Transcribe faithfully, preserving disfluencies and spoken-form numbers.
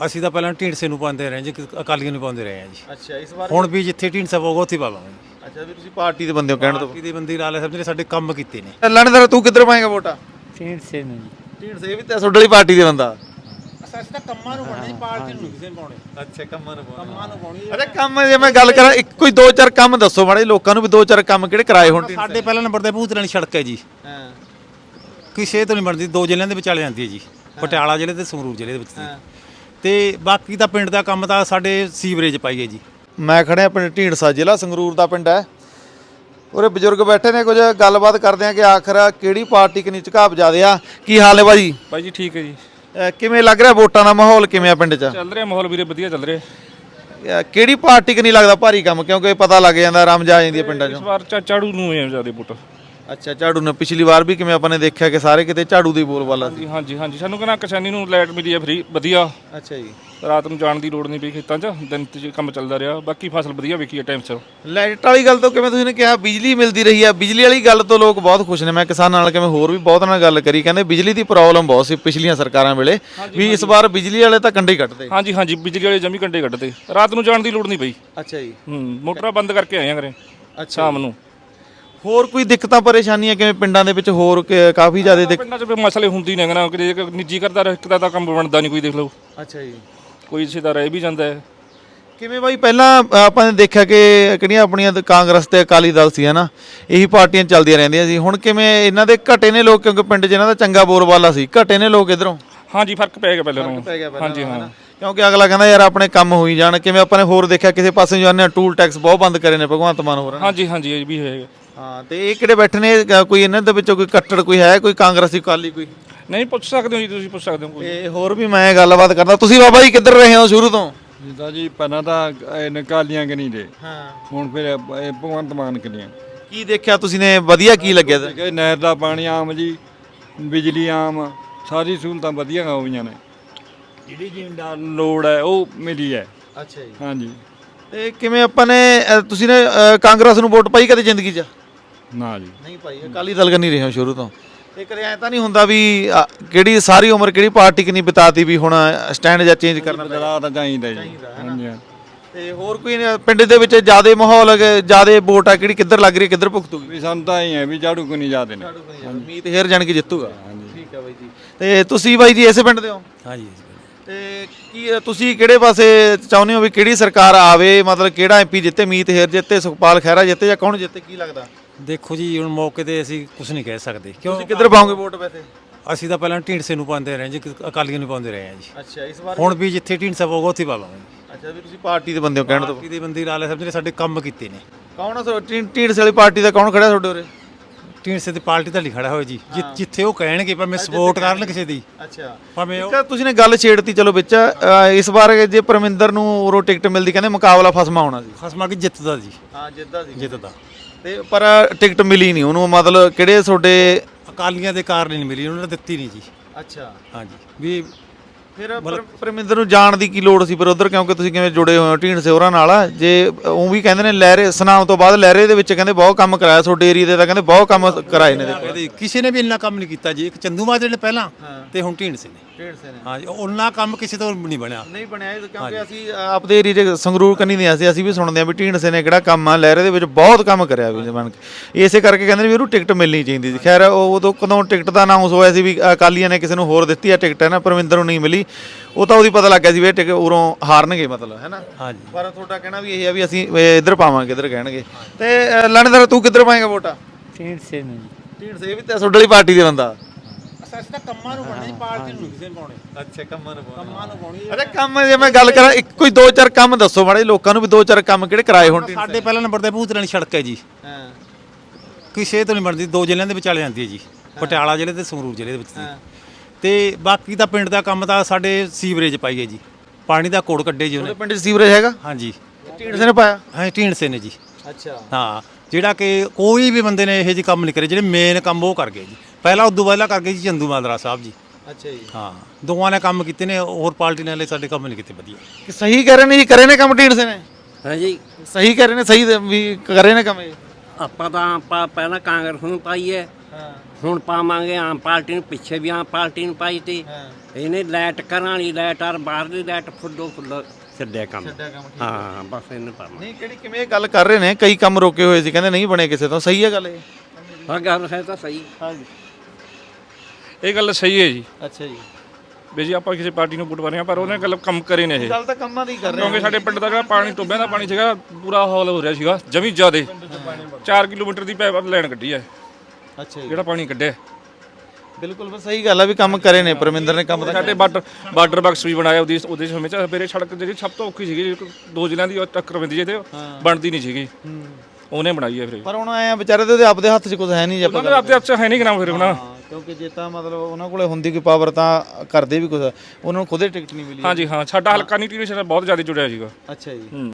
ਅਸੀਂ ਤਾਂ ਪਹਿਲਾਂ ਢੀਂਡਸੇ ਨੂੰ ਪਾਉਂਦੇ ਰਹੇ ਜੀ, ਅਕਾਲੀਆਂ ਨੂੰ ਪਾਉਂਦੇ ਰਹੇ ਹਾਂ ਜੀ। ਅੱਛਾ, ਇਸ ਵਾਰ ਹੁਣ ਵੀ ਜਿੱਥੇ ਢੀਂਡਸਾ ਪਊਗਾ ਉੱਥੇ ਪਾਵਾਂਗੇ ਜੀ। ਅੱਛਾ ਵੀ ਤੁਸੀਂ ਪਾਰਟੀ ਦੇ ਬੰਦੇ ਹੋ ਕਹਿਣ ਤੋਂ। ਪਾਰਟੀ ਦੇ ਬੰਦੇ ਲਾਲੇ ਸਾਹਿਬ ਨੇ ਸਾਡੇ ਕੰਮ ਕੀਤੇ ਨੇ। ਲਣਦਰ ਤੂੰ ਕਿੱਧਰ ਪਾਏਗਾ ਵੋਟਾਂ? ਢੀਂਡਸੇ ਨੂੰ ਜੀ। ਢੀਂਡਸੇ ਵੀ ਤਾਂ ਤੁਹਾਡੇ ਵਾਲੀ ਪਾਰਟੀ ਦੇ ਬੰਦਾ। ਅਸੀਂ ਤਾਂ ਕੰਮਾਂ ਨੂੰ ਪਾਉਣਾ ਜੀ, ਪਾਰਟੀ ਨੂੰ ਕਿਸੇ ਨੂੰ ਪਾਉਣੇ। ਅੱਛਾ, ਕੰਮਾਂ ਨੂੰ ਕੰਮਾਂ ਨੂੰ ਪਾਉਣੀ। ਅੱਛਾ, ਕੰਮ ਜੇ ਮੈਂ ਗੱਲ ਕਰਾਂ, ਇੱਕ ਕੋਈ ਦੋ ਚਾਰ ਕੰਮ ਦੱਸੋ ਮਾੜੇ ਲੋਕਾਂ ਨੂੰ ਵੀ, ਦੋ ਚਾਰ ਕੰਮ ਕਿਹੜੇ ਕਰਾਏ ਹੁਣ? ਸਾਡੇ ਪਹਿਲਾਂ ਨੰਬਰ ਤੇ ਭੂਤਰਾਣੀ ਸੜਕ ਹੈ ਜੀ, ਹਾਂ ਕਿਸੇ ਤੋਂ ਨਹੀਂ ਬਣਦੀ, ਦੋ ਜ਼ਿਲ੍ਹਿਆਂ ਦੇ ਵਿਚਾਲੇ ਜਾਂਦੀ ਹੈ ਜੀ, ਪਟਿਆਲਾ ਜ਼ਿਲ੍ਹੇ ਤੇ ਸੰਗਰੂਰ ਜ਼ਿਲ੍ਹੇ ਦੇ ਵਿੱਚ ਜੀ। ਤੇ ਬਾਕੀ ਤਾਂ ਪਿੰਡ ਦਾ ਕੰਮ ਤਾਂ ਸਾਡੇ ਸੀਵਰੇਜ ਪਾਈਏ ਜੀ। ਮੈਂ ਖੜਿਆ ਪਿੰਡ ਢੀਂਡਸਾ, ਜ਼ਿਲ੍ਹਾ ਸੰਗਰੂਰ ਦਾ ਪਿੰਡ ਹੈ। ਉਰੇ ਬਜ਼ੁਰਗ ਬੈਠੇ ਨੇ, ਕੁਝ ਗੱਲਬਾਤ ਕਰਦੇ ਆ ਕਿ ਆਖਰ ਕਿਹੜੀ ਪਾਰਟੀ ਕਿੰਨੀ ਝੁਕਾਅ ਜ਼ਿਆਦੇ ਆ। ਕੀ ਹਾਲ ਹੈ ਬਾਜੀ? ਬਾਈ ਜੀ ਠੀਕ ਹੈ ਜੀ। ਅਹ ਕਿਵੇਂ ਲੱਗ ਰਿਹਾ ਵੋਟਾਂ ਦਾ ਮਾਹੌਲ ਕਿਵੇਂ ਆ ਪਿੰਡ 'ਚ? ਚੱਲ ਰਿਹਾ ਮਾਹੌਲ ਵੀਰੇ, ਵਧੀਆ ਚੱਲ ਰਿਹਾ। ਅਹ ਕਿਹੜੀ ਪਾਰਟੀ ਕਿ ਨਹੀਂ ਲੱਗਦਾ ਭਾਰੀ ਕੰਮ, ਕਿਉਂਕਿ ਪਤਾ ਲੱਗ ਜਾਂਦਾ ਰਮਜ ਆ ਜਾਂਦੀ ਹੈ ਪਿੰਡਾਂ 'ਚੋਂ। ਇਸ ਵਾਰ ਚਾ- ਝਾੜੂ ਨੂੰ ਹੈ ਜ਼ਿਆਦਾ ਵੋਟ। ਅੱਛਾ, ਝਾੜੂ ਨੇ ਪਿਛਲੀ ਵਾਰ ਵੀ ਕਿਵੇਂ ਆਪਾਂ ਨੇ ਦੇਖਿਆ ਕਿ ਸਾਰੇ ਕਿਤੇ ਝਾੜੂ ਦੀ ਬੋਲਬਾਲਾ ਸੀ। ਹਾਂਜੀ ਹਾਂਜੀ ਹਾਂਜੀ ਸਾਨੂੰ ਕਹਿੰਦਾ ਕਿਸਾਨੀ ਨੂੰ ਲਾਈਟ ਮਿਲੀ ਹੈ ਫਰੀ, ਵਧੀਆ। ਅੱਛਾ ਜੀ, ਰਾਤ ਨੂੰ ਜਾਣ ਦੀ ਲੋੜ ਨਹੀਂ ਪਈ ਖੇਤਾਂ 'ਚ, ਦਿਨ 'ਚ ਕੰਮ ਚੱਲਦਾ ਰਿਹਾ। ਬਾਕੀ ਫਸਲ ਵਧੀਆ ਵਿਕੀ ਹੈ ਟਾਈਮ ਸਿਰ। ਲਾਈਟ ਵਾਲੀ ਗੱਲ ਤੋਂ ਕਿਵੇਂ ਤੁਸੀਂ ਨੇ ਕਿਹਾ ਬਿਜਲੀ ਮਿਲਦੀ ਰਹੀ ਆ, ਬਿਜਲੀ ਵਾਲੀ ਗੱਲ ਤੋਂ ਲੋਕ ਬਹੁਤ ਖੁਸ਼ ਨੇ। ਮੈਂ ਕਿਸਾਨਾਂ ਨਾਲ ਕਿਵੇਂ ਹੋਰ ਵੀ ਬਹੁਤ ਨਾਲ ਗੱਲ ਕਰੀ, ਕਹਿੰਦੇ ਬਿਜਲੀ ਦੀ ਪ੍ਰੋਬਲਮ ਬਹੁਤ ਸੀ ਪਿਛਲੀਆਂ ਸਰਕਾਰਾਂ ਵੇਲੇ, ਵੀ ਇਸ ਵਾਰ ਬਿਜਲੀ ਵਾਲੇ ਤਾਂ ਕੰਡੇ ਕੱਢਦੇ। ਹਾਂਜੀ ਹਾਂਜੀ ਬਿਜਲੀ ਵਾਲੇ ਜਮੀ ਕੰਡੇ ਕੱਢਦੇ, ਰਾਤ ਨੂੰ ਜਾਣ ਦੀ ਲੋੜ ਨਹੀਂ ਪਈ। ਅੱਛਾ ਜੀ, ਹੂੰ ਮੋਟਰਾਂ ਬੰਦ ਕਰਕੇ ਆਏ ਆ ਘਰੇ ਸ਼ਾਮ ਨੂੰ। ਹੋਰ ਕੋਈ ਦਿੱਕਤਾਂ ਪਰੇਸ਼ਾਨੀਆਂ ਕਿਵੇਂ ਪਿੰਡਾਂ ਦੇ ਵਿੱਚ ਹੋਰ ਕ- ਕਾਫੀ ਜ਼ਿਆਦਾ ਦਿੱਕਤ? ਪਿੰਡਾਂ 'ਚ ਫਿਰ ਮਸਲੇ ਹੁੰਦੀ ਨੇ ਨਾ, ਕਿ ਜੇ ਨਿੱਜੀ ਕਰਦਾ ਇੱਕ ਦਾ ਤਾਂ ਕੰਮ ਬਣਦਾ ਨਹੀਂ ਕੋਈ, ਦੇਖ ਲਓ ਅੱਛਾ ਜੀ, ਕੋਈ ਇਸੇ ਦਾ ਰਹਿ ਵੀ ਜਾਂਦਾ ਹੈ। ਕਿਵੇਂ ਬਾਈ ਪਹਿਲਾਂ ਆਪਾਂ ਨੇ ਦੇਖਿਆ ਕਿ ਕਿਹੜੀਆਂ ਆਪਣੀਆਂ ਤਾਂ ਕਾਂਗਰਸ ਤੇ ਅਕਾਲੀ ਦਲ ਸੀ ਹਨਾ, ਇਹੀ ਪਾਰਟੀਆਂ ਚੱਲਦੀਆਂ ਰਹਿੰਦੀਆਂ ਸੀ। ਹੁਣ ਕਿਵੇਂ ਇਹਨਾਂ ਦੇ ਘਟੇ ਨੇ ਲੋਕ, ਕਿਉਂਕਿ ਪਿੰਡ 'ਚ ਇਹਨਾਂ ਦਾ ਚੰਗਾ ਬੋਲਬਾਲਾ ਸੀ, ਘਟੇ ਨੇ ਲੋਕ ਇਧਰੋਂ? ਹਾਂਜੀ ਫਰਕ ਪੈ ਗਿਆ ਪਹਿਲਾਂ ਨਾਲੋਂ। ਹਾਂਜੀ ਹਾਂ, ਕਿਉਂਕਿ ਅਗਲਾ ਕਹਿੰਦਾ ਯਾਰ ਆਪਣੇ ਕੰਮ ਹੋਈ ਜਾਣ। ਕਿਵੇਂ ਆਪਾਂ ਨੇ ਹੋਰ ਦੇਖਿਆ ਕਿਸੇ ਪਾਸੇ ਜਾਂਦੇ ਟੂਲ ਟੈਕਸ ਬਹੁਤ ਬੰਦ ਕਰੇ ਨੇ ਭਗਵੰਤ ਮਾਨ ਹੋਰ। ਹਾਂਜੀ ਹਾਂਜੀ ਇਹ ਵੀ ਹੋਏਗਾ। ਹਾਂ, ਤੇ ਇਹ ਕਿਹੜੇ ਬੈਠੇ ਨੇ, ਕ- ਕੋਈ ਇਹਨਾਂ ਦੇ ਵਿੱਚੋਂ ਕੋਈ ਕੱਟੜ ਕੋਈ ਹੈ, ਕੋਈ ਕਾਂਗਰਸੀ ਅਕਾਲੀ ਕੋਈ? ਨਹੀਂ ਪੁੱਛ ਸਕਦੇ ਹੋ ਜੀ, ਤੁਸੀਂ ਪੁੱਛ ਸਕਦੇ ਹੋ ਕੋਈ। ਤੇ ਹੋਰ ਵੀ ਮੈਂ ਗੱਲਬਾਤ ਕਰਦਾ। ਤੁਸੀਂ ਬਾਬਾ ਜੀ ਕਿੱਧਰ ਰਹੇ ਹੋ ਸ਼ੁਰੂ ਤੋਂ? ਜਿੱਦਾਂ ਜੀ ਪਹਿਲਾਂ ਤਾਂ ਨਿਕਾਲੀਆਂ ਕਿ ਨਹੀਂ ਦੇ, ਹਾਂ, ਹੁਣ ਫਿਰ ਇਹ ਭਗਵੰਤ ਮਾਨ ਕਰੀਆਂ। ਕੀ ਦੇਖਿਆ ਤੁਸੀਂ ਨੇ ਵਧੀਆ, ਕੀ ਲੱਗਿਆ? ਕਿ ਨਹਿਰ ਦਾ ਪਾਣੀ ਆਮ ਜੀ, ਬਿਜਲੀ ਆਮ, ਸਾਰੀ ਸਹੂਲਤਾਂ ਵਧੀਆ ਹੋਈਆਂ ਨੇ। ਜਿਹੜੀ ਜ਼ਿਮੀਂਦਾਰ ਨੂੰ ਲੋੜ ਹੈ ਉਹ ਮਿਲੀ ਹੈ। ਅੱਛਾ ਜੀ, ਹਾਂਜੀ। ਤੇ ਕਿਵੇਂ ਆਪਾਂ ਨੇ ਅ, ਤੁਸੀਂ ਨੇ ਅ, ਕਾਂਗਰਸ ਨੂੰ ਵੋਟ ਪਾਈ ਕਦੇ ਜ਼ਿੰਦਗੀ 'ਚ? ਨਾ ਜੀ, ਨਹੀਂ ਪਾਈ, ਅਕਾਲੀ ਦਲ ਕਰਨੀ ਰਹੇ ਹੋ ਸ਼ੁਰੂ ਤੋਂ। ਤੇ ਕਦੇ ਐ ਤਾਂ ਨਹੀਂ ਹੁੰਦਾ ਵੀ ਅ, ਕਿਹੜੀ ਸਾਰੀ ਉਮਰ ਕਿਹੜੀ ਪਾਰਟੀ ਕਿ ਨਹੀਂ ਬਿਤਾਤੀ ਵੀ ਹੁਣ ਸਟੈਂਡ ਜਾਂ ਚੇਂਜ ਕਰਨਾ ਪੈ ਬਦਲਾਅ ਤਾਂ ਚਾਹੀਦਾ ਜੀ। ਹਾਂਜੀ ਹਾਂ। ਤੇ ਹੋਰ ਕੋਈ ਨ- ਪਿੰਡ ਦੇ ਵਿੱਚ ਜਿਆਦੇ ਮਾਹੌਲ ਜਿਆਦੇ ਵੋਟ ਆ ਕਿਹੜੀ ਕਿੱਧਰ ਲੱਗ ਰਹੀ ਹੈ, ਕਿੱਧਰ ਭੁਗਤੂਗੀ? ਵੀ ਸਾਨੂੰ ਤਾਂ ਹੀ ਹੈ ਵੀ ਝਾੜੂ ਕੋ ਨਹੀਂ ਜਾਦੇ ਨੇ। ਮੀਤ ਹੇਰ ਜਾਣ ਕੇ ਜਿੱਤੂਗਾ। ਠੀਕ ਹੈ ਬਾਈ ਜੀ। ਤੇ ਤੁਸੀਂ ਬਾਈ ਜੀ ਇਸੇ ਪਿੰਡ ਦੇ ਹੋ? ਹਾਂਜੀ। ਤੇ ਕੀ ਤੁਸੀਂ ਕਿਹੜੇ ਪਾਸੇ ਚਾਹੁੰਦੇ ਹੋ ਵੀ ਕਿਹੜੀ ਸਰਕਾਰ ਆਵੇ, ਮਤਲਬ ਕਿਹੜਾ ਐਮਪੀ ਜਿੱਤੇ? ਮੀਤ ਹੇਰ ਜਿੱਤੇ, ਸੁਖਪਾਲ ਖਹਿਰਾ ਜਿੱਤੇ, ਜਾਂ ਕੌਣ ਜਿੱਤੇ, ਕੀ ਲੱਗਦਾ? ਦੇਖੋ ਜੀ ਹੁਣ ਮੌਕੇ ਤੇ ਅਸੀਂ ਕੁਝ ਨਹੀਂ ਕਹਿ ਸਕਦੇ, ਕਿਉਂ ਤੁਸੀਂ ਕਿੱਧਰ ਪਾਓਗੇ ਵੋਟ ਵੈਸੇ? ਅਸੀਂ ਤਾਂ ਪਹਿਲਾਂ ਢੀਂਡਸੇ ਨੂੰ ਪਾਉਂਦੇ ਰਹੇ ਜੀ, ਅਕਾਲੀਆਂ ਨੂੰ ਪਾਉਂਦੇ ਰਹੇ ਹਾਂ ਜੀ। ਅੱਛਾ, ਇਸ ਵਾਰ ਹੁਣ ਵੀ ਜਿੱਥੇ ਢੀਂਡਸਾ ਪਊਗਾ ਉੱਥੇ ਪਾਵਾਂਗੇ ਜੀ। ਅੱਛਾ ਵੀ ਤੁਸੀਂ ਪਾਰਟੀ ਦੇ ਬੰਦੇ ਹੋ ਕਹਿਣ ਤੋਂ। ਪਾਰਟੀ ਦੇ ਬੰਦੇ ਲਾਲੇ ਸਾਹਿਬ ਨੇ ਸਾਡੇ ਕੰਮ ਕੀਤੇ ਨੇ। ਕੌਣ ਆ ਢੀਂਡਸੇ ਵਾਲੀ ਪਾਰਟੀ ਦਾ ਕੌਣ ਖੜਾ ਤੁਹਾਡੇ ਉਰੇ? ਢੀਂਡਸੇ ਦੀ ਪਾਰਟੀ ਤਾਂ ਨਹੀਂ ਖੜਾ ਹੋਇਆ ਜੀ, ਜਿ- ਜਿੱਥੇ ਉਹ ਕਹਿਣਗੇ ਭਾਵੇਂ ਸਪੋਰਟ ਕਰਨ ਕਿਸੇ ਦੀ, ਅੱਛਾ, ਭਾਵੇਂ ਉਹ ਇੱਕ ਤੁਸੀਂ ਨੇ ਗੱਲ ਛੇੜਤੀ ਚਲੋ ਵਿੱਚ। ਅ, ਇਸ ਵਾਰ ਜੇ ਪਰਮਿੰਦਰ ਨੂੰ ਉਰੋਂ ਟਿਕਟ ਮਿਲਦੀ, ਕਹਿੰਦੇ ਮੁਕਾਬਲਾ ਫਸਮਾ ਹੋਣਾ ਸੀ। ਖਸਮਾ ਕੀ ਜਿੱਤਦਾ ਜੀ, ਹਾਂ, ਜਿੱਤਦਾ ਸੀ ਜਿੱਤਦਾ। ਤੇ ਪਰ ਟਿਕਟ ਮਿਲੀ ਨਹੀਂ ਉਹਨੂੰ, ਮਤਲਬ ਕਿਹੜੇ ਤੁਹਾਡੇ? ਅਕਾਲੀਆਂ ਦੇ ਕਾਰਨ ਨਹੀਂ ਮਿਲੀ, ਉਹਨਾਂ ਨੇ ਦਿੱਤੀ ਨਹੀਂ ਜੀ। ਅੱਛਾ, ਹਾਂਜੀ ਵੀ ਫਿਰ ਪਰ- ਪਰਮਿੰਦਰ ਨੂੰ ਜਾਣ ਦੀ ਕੀ ਲੋੜ ਸੀ ਫਿਰ ਉਧਰ, ਕਿਉਂਕਿ ਤੁਸੀਂ ਕਿਵੇਂ ਜੁੜੇ ਹੋਏ ਹੋ ਢੀਂਡਸੇ ਹੋਰਾਂ ਨਾਲ? ਜੇ ਉਹ ਵੀ ਕਹਿੰਦੇ ਨੇ ਲਹਿਰੇ ਸੁਨਾਮ ਤੋਂ ਬਾਅਦ ਲਹਿਰੇ ਦੇ ਵਿੱਚ ਕਹਿੰਦੇ ਬਹੁਤ ਕੰਮ ਕਰਾਇਆ ਤੁਹਾਡੇ ਏਰੀਆ ਦੇ, ਤਾਂ ਕਹਿੰਦੇ ਬਹੁਤ ਕੰਮ ਕਰਾਏ ਨੇ। ਦੇਖੋ ਕਦੇ ਕਿਸੇ ਨੇ ਵੀ ਇੰਨਾ ਕੰਮ ਨਹੀਂ ਕੀਤਾ ਜੀ, ਇੱਕ ਚੰਦੂ ਮਾਜਰੇ ਨੇ ਪਹਿਲਾਂ ਤੇ ਹੁਣ ਢੀਂਡਸੇ ਨੇ। ਢੀਂਡਸੇ ਨੇ ਹਾਂਜੀ, ਉਹਨਾਂ ਕੰਮ ਕਿਸੇ ਤੋਂ ਨਹੀਂ ਬਣਿਆ। ਨਹੀਂ ਬਣਿਆ, ਕਿਉਂਕਿ ਅਸੀਂ ਆਪਦੇ ਏਰੀਏ 'ਚ ਸੰਗਰੂਰ ਕੰਨੀ ਦੇ ਅਸੀਂ ਅਸੀਂ ਵੀ ਸੁਣਦੇ ਆ ਵੀ ਢੀਂਡਸੇ ਨੇ ਕਿਹੜਾ ਕੰਮ ਆ ਲਹਿਰੇ ਦੇ ਵਿੱਚ ਬਹੁਤ ਕੰਮ ਕਰਿਆ ਵੀ ਬਣ ਕੇ। ਇਸੇ ਕਰਕੇ ਕਹਿੰਦੇ ਨੇ ਵੀ ਉਹਨੂੰ ਟਿਕਟ ਮਿਲਣੀ ਚਾਹੀਦੀ ਸੀ। ਖੈਰ ਉਹ ਉਦੋਂ ਕਦੋਂ ਟਿਕਟ ਦਾ ਅਨਾਉਂਸ ਹੋਇਆ ਸੀ ਵੀ ਅਕਾਲੀਆਂ ਨੇ ਕਿਸੇ ਨੂੰ ਹੋਰ ਦਿੱਤੀ ਆ ਟਿਕਟ, ਹੈ ਨਾ, ਪਰਮਿੰਦਰ ਨੂੰ ਨਹੀਂ ਮਿਲੀ, ਉਹ ਤਾਂ ਉਹਦੀ ਪਤਾ ਲੱਗ ਗਿਆ ਸੀ ਵੀ ਇਹ ਟਿਕਟ ਉਰੋਂ ਹਾਰਨਗੇ ਮਤਲਬ, ਹੈ ਨਾ। ਹਾਂਜੀ, ਪਰ ਤੁਹਾਡਾ ਕਹਿਣਾ ਵੀ ਇਹ ਆ ਵੀ ਅਸੀਂ ਇੱਧਰ ਪਾਵਾਂਗੇ, ਇੱਧਰ ਕਹਿਣਗੇ। ਤੇ ਲਣਦਰ ਤੂੰ ਕਿੱਧਰ ਪਾਏਗਾ ਵੋਟਾਂ? ਢੀਂਡਸੇ ਨੂੰ ਜੀ। ਢੀਂਡਸੇ ਵੀ ਤਾਂ ਤੁਹਾਡੇ ਵਾਲੀ ਪਾਰਟੀ ਦੇ ਬੰਦਾ। ਅਸੀਂ ਤਾਂ ਕੰਮਾਂ ਨੂੰ ਪਾਉਣਾ ਜੀ, ਪਾਰਟੀ ਨੂੰ ਕਿਸੇ ਨੂੰ ਪਾਉਣੇ। ਅੱਛਾ, ਕੰਮਾਂ ਨੂੰ ਕੰਮਾਂ ਨੂੰ ਪਾਉਣੀ। ਅੱਛਾ, ਕੰਮ ਜੇ ਮੈਂ ਗੱਲ ਕਰਾਂ, ਇੱਕ ਕੋਈ ਦੋ ਚਾਰ ਕੰਮ ਦੱਸੋ ਮਾੜੇ ਲੋਕਾਂ ਨੂੰ ਵੀ, ਦੋ ਚਾਰ ਕੰਮ ਕਿਹੜੇ ਕਰਾਏ ਹੁਣ? ਸਾਡੇ ਪਹਿਲਾਂ ਨੰਬਰ ਤੇ ਭੂਤਰਾਣੀ ਸੜਕ ਹੈ ਜੀ, ਹਾਂ, ਕਿਸੇ ਤੋਂ ਨਹੀਂ ਬਣਦੀ, ਦੋ ਜ਼ਿਲ੍ਹਿਆਂ ਦੇ ਵਿਚਾਲੇ ਜਾਂਦੀ ਹੈ ਜੀ, ਪਟਿਆਲਾ ਜ਼ਿਲ੍ਹੇ ਤੇ ਸੰਗਰੂਰ ਜ਼ਿਲ੍ਹੇ ਦੇ ਵਿੱਚ ਜੀ। ਤੇ ਬਾਕੀ ਤਾਂ ਪਿੰਡ ਦਾ ਕੰਮ ਤਾਂ ਸਾਡੇ ਸੀਵਰੇਜ ਪਾਈਏ ਜੀ, ਪਾਣੀ ਦਾ ਕੋੜ ਕੱਢੇ ਜੀ ਉਹਨੇ। ਪਿੰਡ 'ਚ ਸੀਵਰੇਜ ਹੈਗਾ? ਹਾਂਜੀ, ਢੀਂਡਸੇ ਨੇ ਪਾਇਆ? ਹਾਂ ਢੀਂਡਸੇ ਨੇ ਜੀ। ਅੱਛਾ, ਹਾਂ, ਜਿਹੜਾ ਕਿ ਕੋਈ ਵੀ ਬੰਦੇ ਨੇ ਇਹੋ ਜਿਹੇ ਕੰਮ ਨਹੀਂ ਕਰੇ, ਜਿਹੜੇ ਮੇਨ ਕੰਮ ਉਹ ਕਰ ਗਏ ਜੀ। ਪਹਿਲਾਂ ਉਦੋਂ ਪਹਿਲਾਂ ਕਰ ਗਏ ਜੀ ਚੰਦੂ ਮਾਜਰਾ ਸਾਹਿਬ ਜੀ। ਅੱਛਾ ਜੀ, ਹਾਂ, ਦੋਵਾਂ ਨੇ ਕੰਮ ਕੀਤੇ ਨੇ, ਹੋਰ ਪਾਰਟੀ ਨੇ ਸਾਡੇ ਕੰਮ ਨਹੀਂ ਕੀਤੇ ਵਧੀਆ। ਕਿ ਸਹੀ ਕਹਿ ਰਹੇ ਨੇ ਜੀ, ਕਰੇ ਨੇ ਕੰਮ ਢੀਂਡਸੇ ਨੇ? ਹਾਂਜੀ, ਸਹੀ ਕਹਿ ਰਹੇ ਨੇ, ਸਹੀ ਵੀ ਕਰੇ ਨੇ ਕੰਮ ਇਹ? ਆਪਾਂ ਤਾਂ ਆਪਾਂ ਪਹਿਲਾਂ ਕਾਂਗਰਸ ਨੂੰ ਪਾਈ ਹੈ, ਹਾਂ, ਹੁਣ ਪਾਵਾਂਗੇ ਆਮ ਪਾਰਟੀ ਨੂੰ, ਪਿੱਛੇ ਵੀ ਆਮ ਪਾਰਟੀ ਨੂੰ ਪਾਈ ਤੀ। ਹਾਂ। ਇਹਨੇ ਲਾਈਟ ਘਰਾਂ ਵਾਲੀ ਲਾਈਟ ਔਰ ਬਾਹਰਲੀ ਲਾਈਟ ਫੁੱਲੋ ਫੁੱਲ ਛੱਡਿਆ ਕੰਮ ਹਾਂ ਬਸ ਇਹਨੇ ਪਰਮਾ ਨਹੀਂ ਕਿਹੜੀ ਕਿਵੇਂ ਇਹ ਗੱਲ ਕਰ ਰਹੇ ਨੇ ਕਈ ਕੰਮ ਰੋਕੇ ਹੋਏ ਸੀ ਕਹਿੰਦੇ ਨਹੀਂ ਬਣੇ ਕਿਸੇ ਤੋਂ ਸਹੀ ਹੈ ਗੱਲ ਇਹ ਹਾਂ ਗੱਲ ਹੈ ਤਾਂ ਸਹੀ ਹਾਂਜੀ ਇਹ ਗੱਲ ਸਹੀ ਹੈ ਜੀ ਅੱਛਾ ਜੀ ਵੀ ਜੀ ਆਪਾਂ ਕਿਸੇ ਪਾਰਟੀ ਨੂੰ ਵੋਟ ਪਾ ਰਹੇ ਹਾਂ ਪਰ ਉਹਨੇ ਗੱਲ ਕੰਮ ਕਰੇ ਨੇ ਇਹ ਗੱਲ ਤਾਂ ਕੰਮਾਂ ਦੀ ਕਰ ਰਹੇ ਕਿਉਂਕਿ ਸਾਡੇ ਪਿੰਡ ਦਾ ਜਿਹੜਾ ਪਾਣੀ ਟੋਬਿਆਂ ਦਾ ਪਾਣੀ ਸੀਗਾ ਪੂਰਾ ਹਾਲ ਹੋ ਰਿਹਾ ਸੀਗਾ ਜਮੀ ਜ਼ਿਆਦੇ ਚਾਰ ਕਿਲੋਮੀਟਰ ਦੀ ਪਾਈਪ ਲਾਈਨ ਕੱਢੀ ਹੈ ਅੱਛਾ ਜੀ ਜਿਹੜਾ ਪਾਣੀ ਕੱਢਿਆ ਬਿਲਕੁਲ ਬਸ ਸਹੀ ਗੱਲ ਆ ਵੀ ਕੰਮ ਕਰੇ ਨੇ ਪਰਮਿੰਦਰ ਨੇ ਕੰਮ ਤਾਂ ਸਾਡੇ ਬਾਰਡਰ ਬਾਰਡਰ ਬਾਕਸ ਵੀ ਬਣਾਇਆ ਉਹਦੀ ਉਹਦੇ ਸਮੇਂ ਚ ਮੇਰੇ ਸੜਕ ਜਿਹੜੀ ਸਭ ਤੋਂ ਔਖੀ ਸੀਗੀ ਦੋ ਜ਼ਿਲ੍ਹਿਆਂ ਦੀ ਟੱਕਰ ਪੈਂਦੀ ਜੇ ਤੇ ਬਣਦੀ ਨਹੀਂ ਸੀਗੀ ਉਹਨੇ ਬਣਾਈ ਹੈ ਫਿਰ ਪਰ ਹੁਣ ਆਏ ਆ ਵਿਚਾਰੇ ਦੇ ਉਹਦੇ ਆਪਦੇ ਹੱਥ 'ਚ ਕੁਝ ਹੈ ਨਹੀਂ ਜੇ ਆਪਾਂ ਉਹਨਾਂ ਦੇ ਆਪਦੇ ਹੱਥ 'ਚ ਹੈ ਨਹੀਂ ਕਿਨਾ ਫਿਰ ਹੁਣ ਹਾਂ, ਕਿਉਂਕਿ ਜੇ ਤਾਂ ਮਤਲਬ ਉਹਨਾਂ ਕੋਲੇ ਹੁੰਦੀ ਕੋਈ ਪਾਵਰ ਤਾਂ ਕਰਦੇ ਵੀ ਕੁਝ ਉਹਨਾਂ ਨੂੰ ਖੁਦੇ ਟਿਕਟ ਨਹੀਂ ਮਿਲੀ ਹਾਂਜੀ ਹਾਂ ਸਾਡਾ ਹਲਕਾ ਨਹੀਂ ਟੀ ਬਹੁਤ ਜ਼ਿਆਦਾ ਜੁੜਿਆ ਸੀਗਾ ਅੱਛਾ ਜੀ